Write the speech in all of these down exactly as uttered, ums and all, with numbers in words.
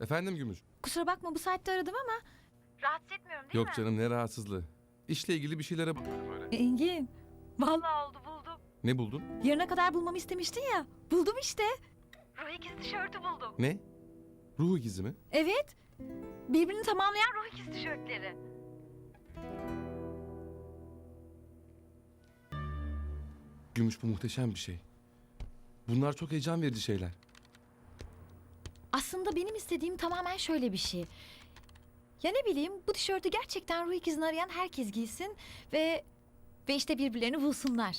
Efendim Gümüş? Kusura bakma bu saatte aradım ama rahatsız etmiyorum değil Yok mi? canım, ne rahatsızlığı. İşle ilgili bir şeylere bakıyordum öyle. Engin. Vallahi oldu buldum. Ne buldun? Yarına kadar bulmamı istemiştin ya. Buldum işte. Ruh ikizi tişörtü buldum. Ne? Ruh ikizi mi? Evet. Birbirini tamamlayan ruh ikizi tişörtleri. Gümüş, bu muhteşem bir şey. Bunlar çok heyecan verici şeyler. Aslında benim istediğim tamamen şöyle bir şey. Ya ne bileyim bu tişörtü gerçekten ruh ikizini arayan herkes giysin ve ve işte birbirlerini bulsunlar.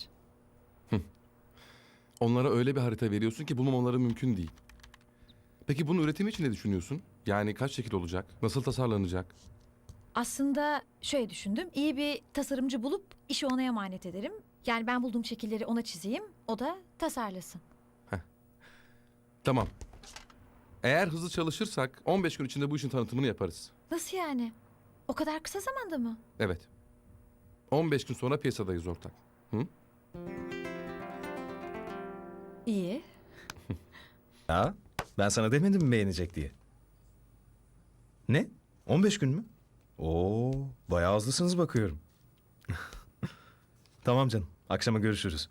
Onlara öyle bir harita veriyorsun ki bulmamaları mümkün değil. Peki bunun üretimi için ne düşünüyorsun? Yani kaç şekil olacak? Nasıl tasarlanacak? Aslında şöyle düşündüm. İyi bir tasarımcı bulup işi ona emanet ederim. Yani ben bulduğum şekilleri ona çizeyim, o da tasarlasın. Tamam. Eğer hızlı çalışırsak on beş gün içinde bu işin tanıtımını yaparız. Nasıl yani? O kadar kısa zamanda mı? Evet. on beş gün sonra piyasadayız ortak. Hı? İyi. Ya ben sana demedim mi beğenecek diye. Ne? on beş gün mü? Oo, bayağı hızlısınız bakıyorum. Tamam canım. Akşama görüşürüz.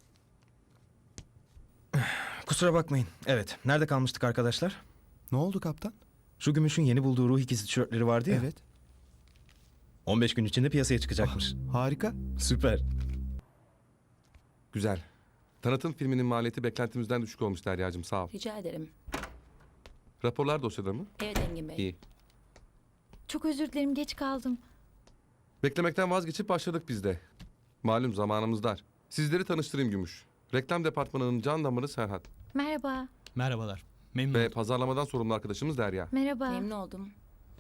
Kusura bakmayın. Evet. Nerede kalmıştık arkadaşlar? Ne oldu kaptan? Şu Gümüş'ün yeni bulduğu ruh ikizi tişörtleri vardı ya. Evet. on beş gün içinde piyasaya çıkacakmış. Harika. Süper. Güzel. Tanıtım filminin maliyeti beklentimizden düşük olmuş Derya'cığım, sağ ol. Rica ederim. Raporlar dosyada mı? Evet Engin Bey. İyi. Çok özür dilerim geç kaldım. Beklemekten vazgeçip başladık biz de. Malum zamanımız dar. Sizleri tanıştırayım Gümüş. Reklam departmanının can damarı Serhat. Merhaba. Merhabalar. Memnun Ve oldum. pazarlamadan sorumlu arkadaşımız Derya. Merhaba. Memnun oldum.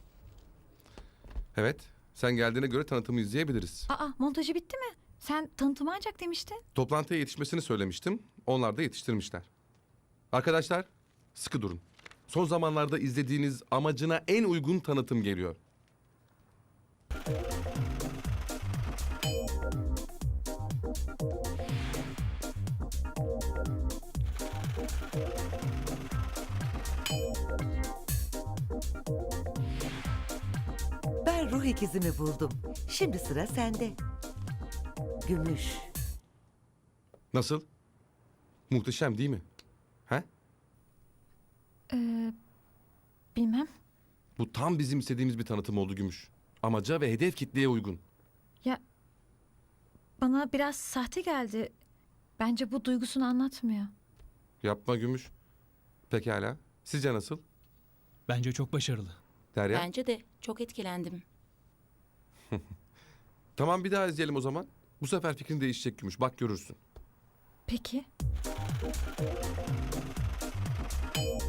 Evet, sen geldiğine göre tanıtımı izleyebiliriz. Aa montajı bitti mi? Sen tanıtımı ancak demiştin. Toplantıya yetişmesini söylemiştim. Onlar da yetiştirmişler. Arkadaşlar, sıkı durun. Son zamanlarda izlediğiniz amacına en uygun tanıtım geliyor. Ben ruh ikizimi buldum. Şimdi sıra sende. Gümüş. Nasıl? Muhteşem değil mi? He? Ee, bilmem. Bu tam bizim istediğimiz bir tanıtım oldu Gümüş. Amaca ve hedef kitleye uygun. Ya bana biraz sahte geldi. Bence bu duygusunu anlatmıyor. Yapma Gümüş. Pekala. Sizce nasıl? Bence çok başarılı. Derya? Bence de çok etkilendim. Tamam, bir daha izleyelim o zaman. Bu sefer fikrin değişecek Gümüş. Bak görürsün. Peki.